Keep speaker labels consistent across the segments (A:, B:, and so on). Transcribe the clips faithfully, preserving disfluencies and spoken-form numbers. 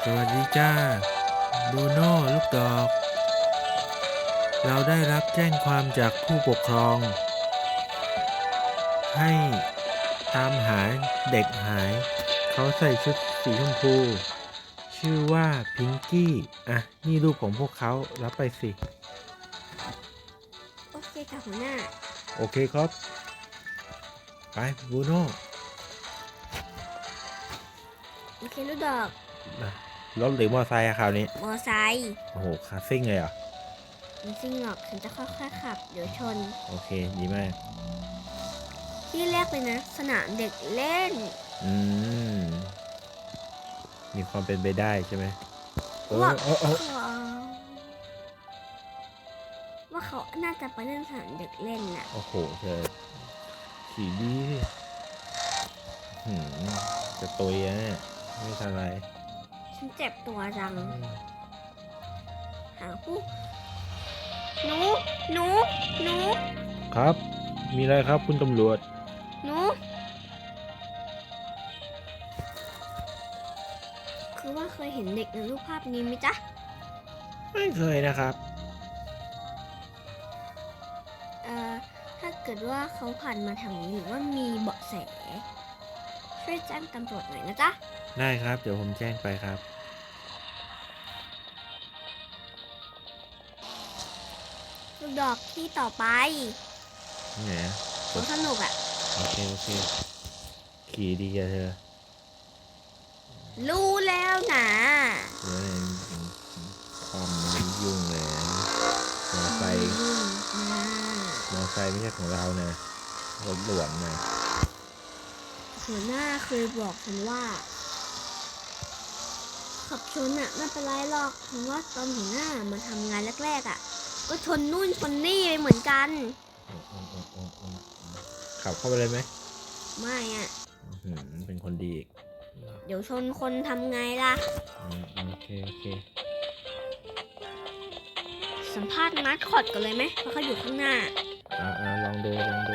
A: สวัสดีจ้าบรูโน่ลูกดอก เราได้รับแจ้งความจากผู้ปกครอง ให้ตามหาเด็กหาย เขาใส่ชุดสีชมพู ชื่อว่าพิงกี้ อ่ะ นี่รูปของพวกเขารับไปสิ
B: โอเคค่ะหัวหน้า
A: โอเคครับ ไปบรูโน่
B: โอเคลูกดอก
A: รถหรือมอเตอร์ไซค์อะคราวนี้
B: มอไซค์
A: โอ้โหคาซิ่งเลยเหรอ
B: ไม่จริงหรอกฉันจะค่อยๆขับ เดี๋ยวชน
A: โอเค ดีมาก
B: ที่แรกเลยนะ สนามเด็กเล่น
A: อืม มีความเป็นไปได้ใช่ไหมเออ
B: ว่า
A: เออเออ
B: เขาว่าเขาน่าจะไปเล่นสนามเด็กเล่นน่ะ
A: โอ้โหเธอขี่ดีสิหืมจะตุยอะเนี่ยไม่ทันไร
B: ฉันเจ็บตัวจัง หาผู้หนูหนูหนู
A: ครับ มีอะไรครับคุณตำรวจ
B: หนูคือว่าเคยเห็นเด็กในรูปภาพนี้ไหมจ๊ะ
A: ไม่เคยนะครับ
B: เอ่อ ถ้าเกิดว่าเขาผ่านมาทางนี้หรือว่ามีเบาะแส ช่วยแจ้งตำรวจหน่อยนะจ๊ะ
A: ได้ครับ เดี๋ยวผมแจ้งไปครับ
B: ลูกดอกที่ต่อไป
A: ไหนอะ
B: สวนสนุกอ่ะ
A: โอเค โอเค ขี่ดีอะเธอ
B: รู้แล้วนะ
A: เดี๋ยวเนี่ยความมันยุ่งเลยนะมอไซค์
B: อืมนะ
A: มอไซค์ไม่ใช่ของเรานะรถหลวงนะ
B: หัวหน้าเคยบอกฉันว่า ขับชนอ่ะไม่เป็นไรหรอกเพราะว่าตอนหัวหน้ามาทำงานแรกๆอ่ะ ก็ชนนู่นชนนี่ไปเหมือนกัน
A: อืมอืมอืมอืมอืมขับเข้าไปเลยไหม
B: ไม่อ่ะ
A: อื้อหือเป็นคนดีอีก
B: เดี๋ยวชนคนทำไงล่ะ
A: อืมโอเค โอเค
B: สัมภาษณ์มาสคอตกันเลยไหมเพราะเขาอยู่ข้างหน้า
A: อ่าอ่าลองดู ลองดู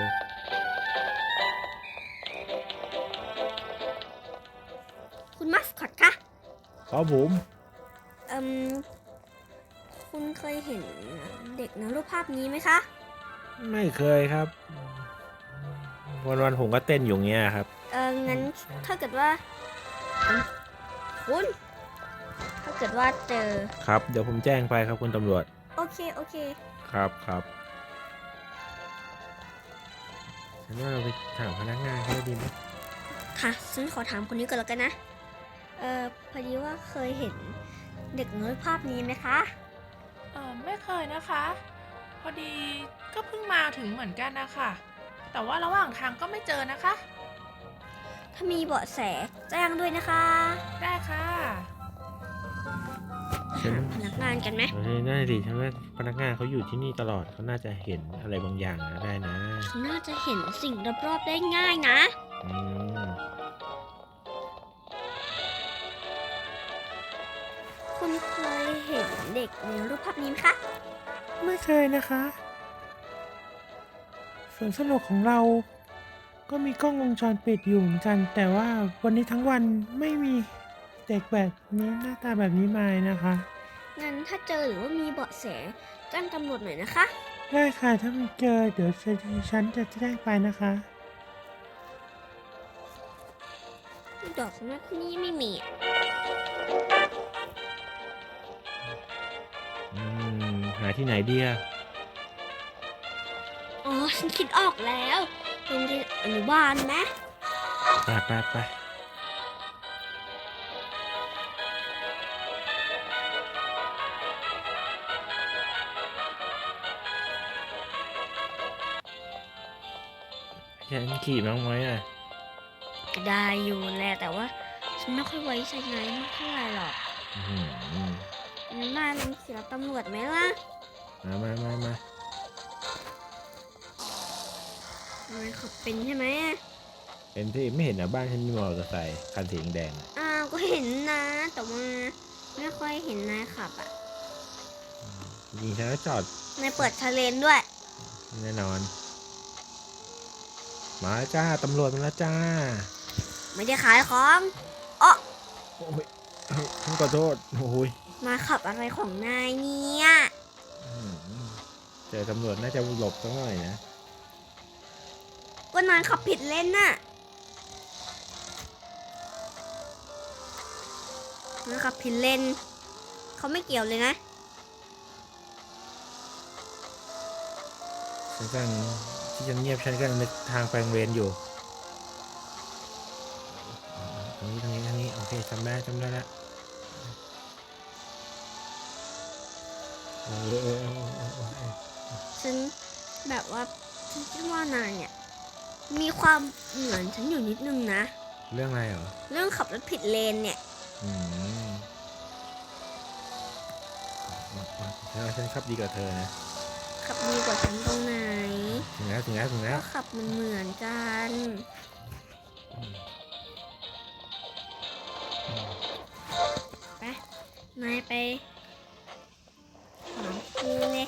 B: คุณมาสคอตคะ
A: ครับผม
B: เอ่มคุณเคยเห็นเด็กในรูปภาพนี้ไหมคะ
A: ไม่เคยครับ วันวันๆผมก็เต้นอยู่เงี้ยครับ
B: เอองั้นถ้าเกิดว่าเอิ่มคุณ ถ้าเกิดว่าเจอ
A: ครับ เดี๋ยวผมแจ้งไปครับคุณตำรวจ
B: โอเค โอเค
A: ครับครับฉันว่าเราไปถามพนักงานเขาดีไหม
B: ค่ะ ฉันขอถามคนนี้ก่อนแล้วกันนะ เออพอดีว่าเคยเห็นเด็กในรูปภาพนี้ไหมคะ
C: เออไม่เคยนะคะ พอดีก็เพิ่งมาถึงเหมือนกันนะคะแต่ว่าระหว่างทางก็ไม่เจอนะคะ
B: ถ้ามีเบาะแสแจ้งด้วยนะคะ
C: ได้ค่ะ
A: ฉัน
B: พนักงานกันไหม
A: เฮ้ยน่าดิฉันว่าพนักงานเขาอยู่ที่นี่ตลอดเขาน่าจะเห็นอะไรบางอย่างนะได้นะ
B: เขาน่าจะเห็นสิ่งรอบๆได้ง่ายนะ
A: อืม
B: คุณเคยเห็นเด็กในรูปภาพนี้ไหมคะ
A: ไม่เคยนะคะสวนสนุกของเรา ก็มีกล้องวงจรปิดอยู่เหมือนกัน แต่ว่าวันนี้ทั้งวันไม่มีเด็กแบบนี้หน้าตาแบบนี้มานะคะ
B: งั้นถ้าเจอหรือว่ามีเบาะแสแจ้งตำรวจหน่อยนะคะ
A: ได้ค่ะถ้ามีเจอเดี๋ยวฉันจะแจ้งไปนะคะ
B: ดอกนัดนี้ไม่มีอะ
A: อืม หาที่ไหนดีอะ
B: อ๋อ ฉันคิดออกแล้วโรงเรียนอนุบาลไหม
A: ไปไปไปฉันขี่น้องไหมอ่ะ
B: ได้อยู่แหละแต่ว่า ฉันไม่ค่อยไว้ใจนายมากเท่าไหร่หรอก
A: อื้อหือน
B: ายลองขี่รถตำรวจไหมล่ะ
A: มามามามา
B: นายขับเป็นใช่ไหม
A: เป็นที่ไม่เห็นนะบ้านฉันมีมอเตอร์ไซค์คันสีแดงๆอะ
B: อ้าวก็เห็นนะ แต่ว่าไม่ค่อยเห็นนายขับอ่ะ
A: จริงๆฉันก็จอด
B: นายเปิดทะเลนด้วย
A: แน่นอน มาแล้วจ้า ตำรวจมาแล้วจ้า
B: ไม่ได้ขายของอ๋อ
A: โอ้ยเออฉันขอโทษโอ้ย
B: มาขับอะไรของนายเนี่ย
A: อืมเจอตำรวจน่าจะหลบสักหน่อยนะ
B: ก็นายขับผิดเลนน่ะนายขับผิดเลนเขาไม่เกี่ยวเลยนะ
A: ฉันกำลังที่ฉันเงียบฉันกำลังนึกทางไปโรงเรียนอยู่ตรงนี้ตรงนี้ตรงนี้โอเคจำได้จำได้แล้วเออเออเออเออเออเออ
B: ฉันแบบว่าฉันคิดว่านายเนี่ยมีความเหมือนฉันอยู่นิดนึงนะ
A: เรื่องอะไรเหรอ
B: เรื่องขับรถผิดเลนเนี่ย
A: อืมฉันว่าฉันขับดีกว่าเธอนะ
B: ขับดีกว่าฉันตรงไหน
A: ถึงแล้วถึงแล้วถึงแล้
B: ก็
A: ว
B: ขับมันเหมือนกัน ไป นายไปหาครูเลย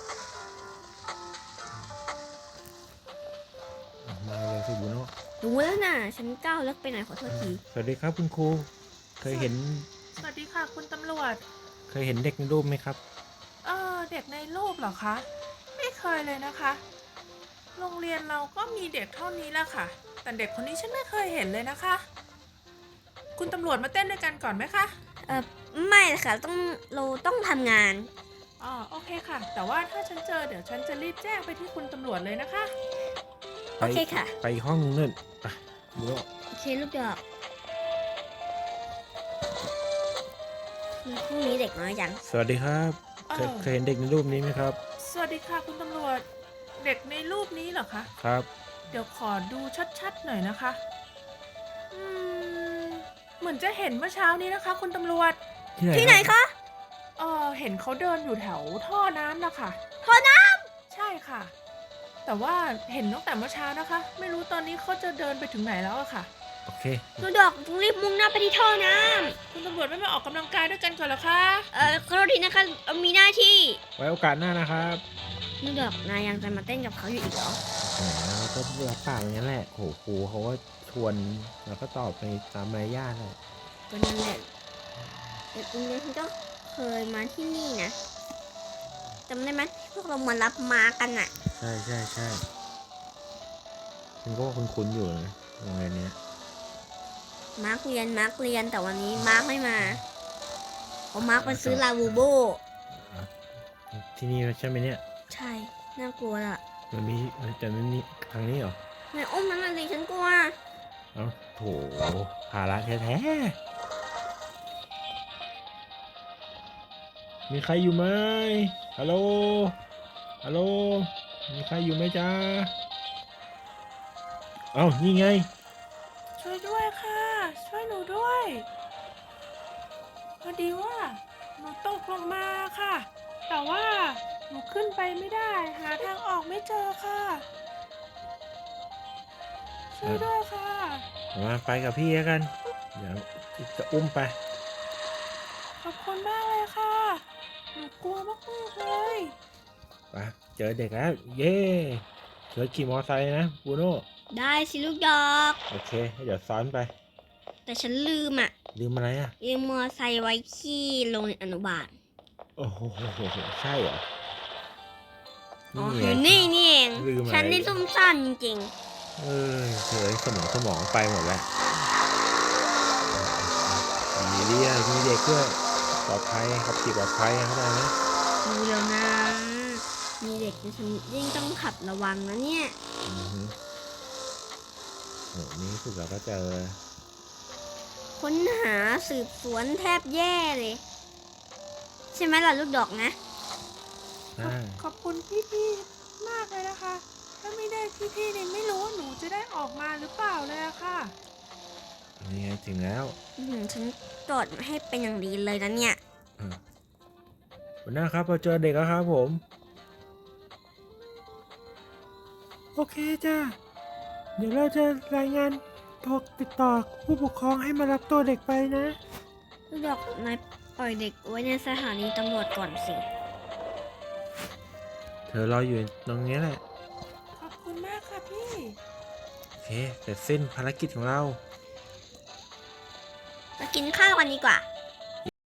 A: มาเลยสิบุโน่
B: รู้แล้วนะฉันก้าวเลิกไปหน่อยขอโทษที
A: สวัสดีครับคุณครู เคยเห็น
C: สวัสดีค่ะคุณตำรวจ
A: เคยเห็นเด็กในรูปไหมครับ
C: เออเด็กในรูปเหรอคะ ไม่เคยเลยนะคะ โรงเรียนเราก็มีเด็กเท่านี้แหละค่ะ แต่เด็กคนนี้ฉันไม่เคยเห็นเลยนะคะ คุณตำรวจมาเต้นด้วยกันก่อนไหมคะ
B: เออไม่ค่ะต้องเราต้องทำงาน
C: อ๋อโอเคค่ะ แต่ว่าถ้าฉันเจอเดี๋ยวฉันจะรีบแจ้งไปที่คุณตำรวจเลยนะคะ
B: โอเคค่ะ
A: ไปอีกห้องนึงนั่นไปบุโน่
B: โอเคลูกดอกพรุ่งนี้เด็กน้อยจัง
A: สวัสดีครับ เคย
C: เออ
A: เคยเห็นเด็กในรูปนี้ไหมครับ
C: สวัสดีค่ะคุณตำรวจ เด็กในรูปนี้เหรอคะ
A: ครับ
C: เดี๋ยวขอดูชัดๆหน่อยนะคะ อืม เหมือนจะเห็นเมื่อเช้านี้นะคะ คุณตำรวจ
A: ที่ไหน
B: ที่ไหน
A: ครับ
B: คะ
C: เออเห็นเขาเดินอยู่แถวท่อน้ำนะคะ
B: ท่อน้
C: ใช่ค่ะ แต่ว่าเห็นตั้งแต่เมื่อเช้านะคะ ไม่รู้ตอนนี้เขาจะเดินไปถึงไหนแล้วอะค่ะ
A: โอเค
B: ำลูกดอกต้องรีบมุ่งหน้าไปที่ท่อน้
C: คุณตำรวจไม่มาออกกำลังกายด้วยกันก่อนเหรอคะ
B: ำเออขอโทษทีนะคะเรามีหน้าที่
A: ไว้โอกาสหน้านะครับ
B: ลูกดอกนายยังจะมาเต้นกับเขาอยู่อีกเหรอ
A: แหมเราก็รับปากอย่างนั้นแหละโหครูเขาก็ชวนเราก็ตอบไปตามมารยาทเลย
B: ก็นั่นแหละเด็กโรงเรียนฉันก็เคยมาที่นี่นะจำได้ไหมพวกเรามารับมากันอะ
A: ใช่ใช่ใช่ฉันก็ว่าคุ้นๆอยู่นะโรงเรียนเนี้ย
B: มาร์กเรียนมาร์กเรียนแต่วันนี้มาร์กไม่มาเพราะมาร์กไปซื้อลาบูโบ
A: ที่นี่ใช่ไหมเนี่ย
B: ใช่ น่ากลัวล่ะ
A: มันมีแต่มันมีทางนี้เหรอ
B: นายอุ้มนั้นอะไรฉันกลัว
A: เอ้าโถภาระแท้ๆมีใครอยู่ไหมฮัลโหลฮัลโหลมีใครอยู่ไหมจ๊ะเอ้านี่ไง
C: ช่วยด้วยค่ะ ช่วยหนูด้วย พอดีว่าหนูตกลงมาค่ะ แต่ว่าหนูขึ้นไปไม่ได้ หาทางออกไม่เจอค่ะ ช่วยด้วยค่ะ
A: มาไปกับพี่แล้วกัน เดี๋ยวจะอุ้มไป
C: ขอบคุณมากเลยค่ะ หนูกลัวมากๆเลย
A: ไปเจอเด็กแล้ว เย่เจอขี่มอไซค์นะบูโน่
B: ได้สิลูกดอก
A: โอเค เดี๋ยวซ้อนไป
B: แต่ฉันลืมอ่ะ
A: ลืมอะไรอ่ะ
B: ลืมมอไซค์ไว้ที่โรงเรียนอนุบาล
A: โอ้โหใช่เหรอ
B: อ๋อ
A: ไง
B: อยู่นี่นี่เอง
A: ลืมอะไร
B: ฉันนี่ซุ่มซ่ามจริง
A: เออเฉยสมองสมองไปหมดแล้วมีเรียมีเด็กด้วยปลอดภัยขับขี่ปลอดภัยเข้าใจไหม
B: ๆดูแล้วนะ มีเด็กนะฉันยิ่งต้องขับระวังนะเนี่ย
A: อือฮึโหนี่สุดเราก็เจอ
B: ค้นหาสืบสวนแทบแย่เลย ใช่ไหมล่ะลูกดอกนะ
A: ใช่
C: ขอบคุณพี่ๆ มากเลยนะคะ ถ้าไม่ได้พี่ๆเนี่ยไม่รู้ว่าหนูจะได้ออกมาหรือเปล่าเลยอะค่ะ
A: นี่ไงถึงแล้ว
B: อื้อหือฉันตรวจให้เป็นอย่างดีเลยนะเนี่ย
A: อ่ะหัวหน้าครับเราเจอเด็กแล้วครับผม โอเคจ้าเดี๋ยวเราจะรายงานโทรติดต่อผู้ปกครองให้มารับตัวเด็กไปนะ
B: ลูกดอกนายปล่อยเด็กไว้ในสถานีตำรวจก่อนสิ
A: เธอรออยู่ตรงนี้แหละ
C: ขอบคุณมากค่ะพี่
A: โอเคเสร็จสิ้นภารกิจของเรา
B: มากินข้าวกันดีกว่า
C: ไ